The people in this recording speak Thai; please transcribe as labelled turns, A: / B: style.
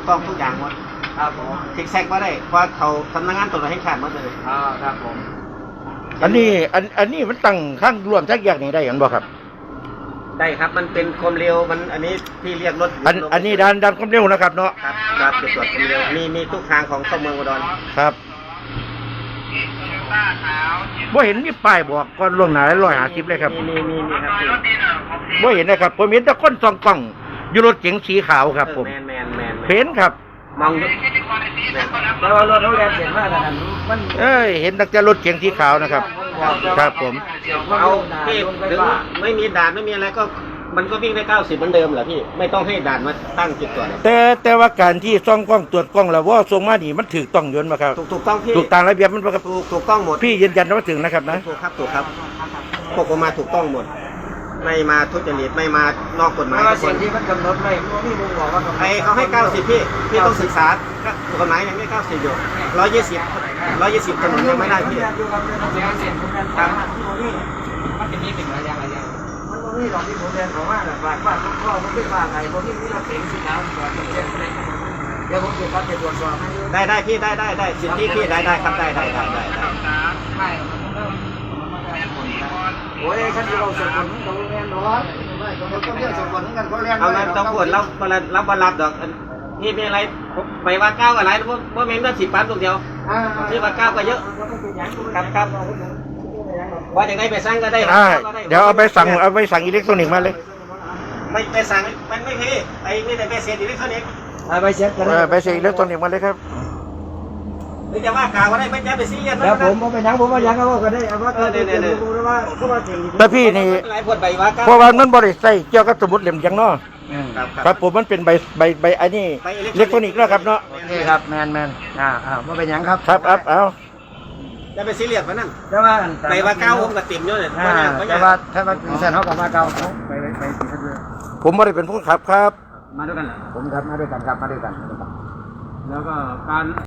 A: ต้องทุกอย่างหมด
B: ครับผม
A: ซิกแซกมาได้เพราะเขาสำนักงานตรวจให้ขาดหมดเลย
B: ครับผม
C: อันนี้มันตั้งข้างรวมทักอย่างนี้ได้กันบ่ครับ
A: ได้ครับมันเป็นความเร็วมันอันนี้ที่เรียกรถ
C: อันนี้ด้านความเร็วนะครับเนาะ
A: ครับครับเป็นตรวจความเร็วมีทุกทางของเข้าเมืองอุดร
C: ครับบ่เห็นมีป้ายบอกก่อนล่วงหน้า150เลยครับ
A: มีครับ
C: บ่เห็นนะครับผมเห็นแต่คนส่องกล้องอยู่รถเก๋งสีขาวครับผม
A: แมน
C: เห็นครับ
A: มอง
B: แต่ว่ารถเขาแรงเสียงมากขนาดนี้มัน
C: เห็นตั้งแต่รถเก๋งสีขาวนะครับครับผม
A: เอาพี่ถึงไม่มีด่านไม่มีอะไรก็มันก็วิ่งได้90เหมือนเดิมเหรอพี่ไม่ต้องให้ด่านมาตั้งจุดตรวจ
C: แต่ว่าการที่ส่องกล้องตรวจกล้องแล้วว่าส่งมานี่มันถูกต้องยนต์มาครับ
A: ถูกต้องพี่
C: ถูกตามระเบียบมันครับ
A: ถูกต้องหมด
C: พี่ยืนยันว่าถึงนะครับนะ
A: ถูกครับพวกผมมาถูกต้องหมดไม่มาทุจริตไม่มานอกกฎหมาย
B: เสียงที่มันกำหนดไม่พี่มึงบอกว่า
A: เขาให้90พี่ต้องศึกษากฎหมายยังไม่90อยู่120ถนนยังไม่ได้พี่ครับ
B: มันจะมีเป็นระยะมันมีหลอกที่ผมเรียนของว่าฝากว่าพ่อผมไม่ฝากไงผมที่เราเก่งสิครับก่อนจะเรียนเดี๋ยวผมจะรับจะตรวจสอบให้
A: ได้พี่ได้สิทธิพี่ได้ครับได้
B: โอ้ยฉันจะเอาส่วนคนตรงนี้นอนต้องเรียกส่วนคนกันเขาเรียน
A: เอานั้นต้องปวดรับดอกนี่เป็นอะไรไปว่า9อะไรว่าเม้นก็10 ปันตรงเดียวที่ว่า9ก็เยอะครับว่าอย่างไรไปสั่งก็ได้
C: เดี๋ยวเอาไปสั่งอิเล็กทรอนิกส์มาเลย
A: ไม่ไปสั่งมันไม่พี่ไอ้นี่แต่ไปเสียอิเล็กทรอนิกส์
C: ไปเสียอิเล็กทรอนิกส์มาเลยครับ
A: ไม่จะว่ากล่าวก็ได้ไม่จะไปซีเรียส
B: แล้วผมไปยังว่ายังก็ได้เอาว่า
C: แต่พี่นี่เพราะว่ามันบริษัทเกี่ยวกับสมุดเหลี่ยมยังเนาะครับผมมันเป็นใบอันนี้อิเล็กทรอนิกส์แล้วครับเนาะ
B: นี่ครับแมนว่าเป็นยังครับ
C: ครับเอา
A: จะไปซีเรียสมันนั่น
B: แต่ว่า
A: ไปว่า9ผมกับติ่มเยอะเลย
B: แต่ว่าถ้าว่าเส้นเขากับว่า9ไป
C: ผมไม่ได้เป็นผู้ขับครับ
B: มาด้วยกันผมครับมาด้วยกันครับมาด้วยกันแล้วก็การ